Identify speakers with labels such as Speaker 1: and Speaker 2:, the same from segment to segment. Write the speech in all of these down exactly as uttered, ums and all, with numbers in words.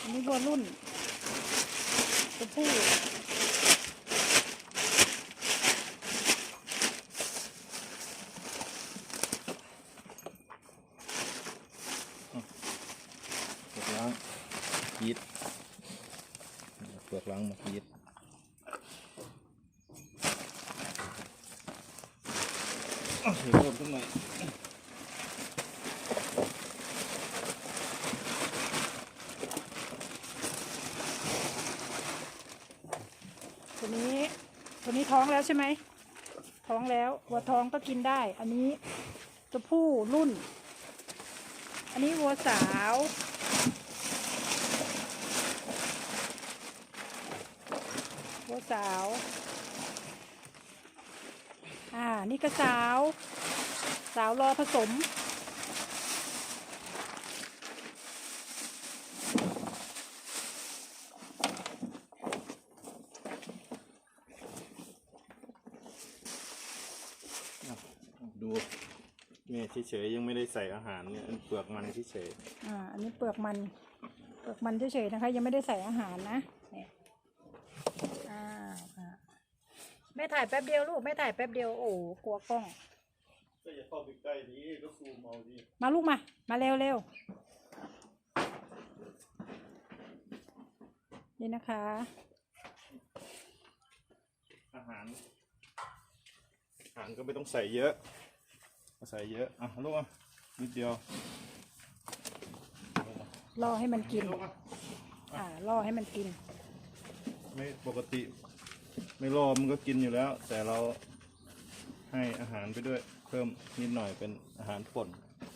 Speaker 1: อันนี้วัวรุ่นตัวผู้
Speaker 2: เปลือกล้างยีดเปลือกล้างมายีดเอาเพิ่มขึ้นหน่อย
Speaker 1: ตัวนี้ตัวนี้ท้องแล้วใช่ไหมท้องแล้ววัวท้องก็กินได้อันนี้ตัวผู้รุ่นอันนี้วัวสาววัวสาวอ่านี่ก็สาวสาวรอผสม
Speaker 2: ดูเนี่ยเฉยๆยังไม่ได้ใส่อาหารเนี่ยเปลือกมันเฉยๆ
Speaker 1: อ่าอันนี้เปลือกมันเปลือกมันเฉยๆนะคะยังไม่ได้ใส่อาหารนะเนี่ยอ่าแม่ถ่ายแป๊บเดียวลูกแม่ถ่ายแป๊บเดียวโอ้กลัวกล้อง
Speaker 2: ก็อย่าเข้าไปใกล้ดีก็ซูมเอาดิ
Speaker 1: มาลูกมามาเร็วเร็วนี่นะคะ
Speaker 2: อาหารอาหารก็ไม่ต้องใส่เยอะใส่เยอะอ่ะลูกอ่ะนิดเดียว
Speaker 1: ล่อให้มันกินอ่าล่อให้มันกิน
Speaker 2: ไม่ปกติไม่รอมันก็กินอยู่แล้วแต่เราให้อาหารไปด้วยเพิ่มนิดหน่อยเป็นอาหารป่น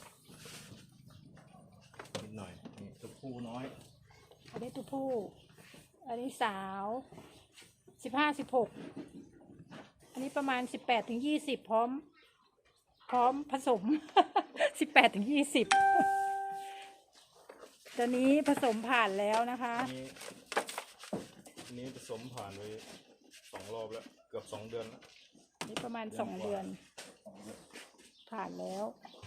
Speaker 2: นิดหน่อยนี่ตัวผู้น้อย
Speaker 1: อันนี้ตัวผู้อันนี้สาวสิบห้าสิบหกอันนี้ประมาณสิบแปดถึงยี่สิบพร้อมพร้อมผสมสิบแปดถึงยี่สิบตัวนี้ผสมผ่านแล้วนะคะ
Speaker 2: อันนี้ผสมผ่านไปสองรอบแล้วเกือบสองเดือนแล้ว
Speaker 1: นี่ประมาณสองเดือนผ่านแล้ว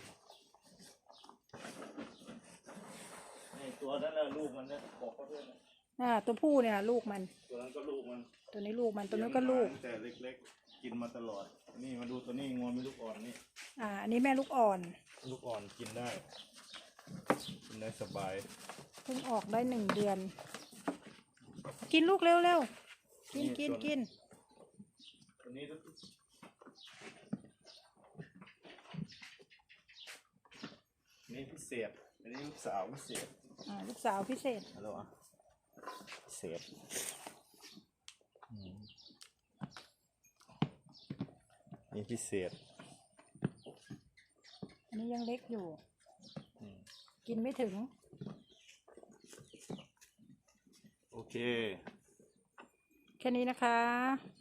Speaker 2: ตัวนั้นน่ะลูกมันนะบอกเขาด้วยนะ
Speaker 1: อ่าตัวผู้เนี่ยลูกมัน
Speaker 2: ตัวนั้นก็ลูกมัน
Speaker 1: ตัวนี้ลูกมันตัวนี้ก็ลูก
Speaker 2: แต่เล็กๆกินมาตลอดนี่มาดูตัวนี้งวมีลูกอ่อนนี่
Speaker 1: อ่าอันนี้แม่ลูกอ่อน
Speaker 2: ลูกอ่อนกินได้กินได้สบาย
Speaker 1: เพิ่งออกได้หนึ่งเดือนกินลูกเร็วเร็วกินกินกิน
Speaker 2: ตัวนี้นี่พิเศษอันนี้ลูกสาวพิเศษ
Speaker 1: อ่าลูกสาวพิเศษ
Speaker 2: ฮัลโหลอ่ะพิเศษนี่พิเศษ
Speaker 1: อันนี้ยังเล็กอยู่กินไม่ถึง
Speaker 2: โอเค
Speaker 1: แค่นี้นะคะ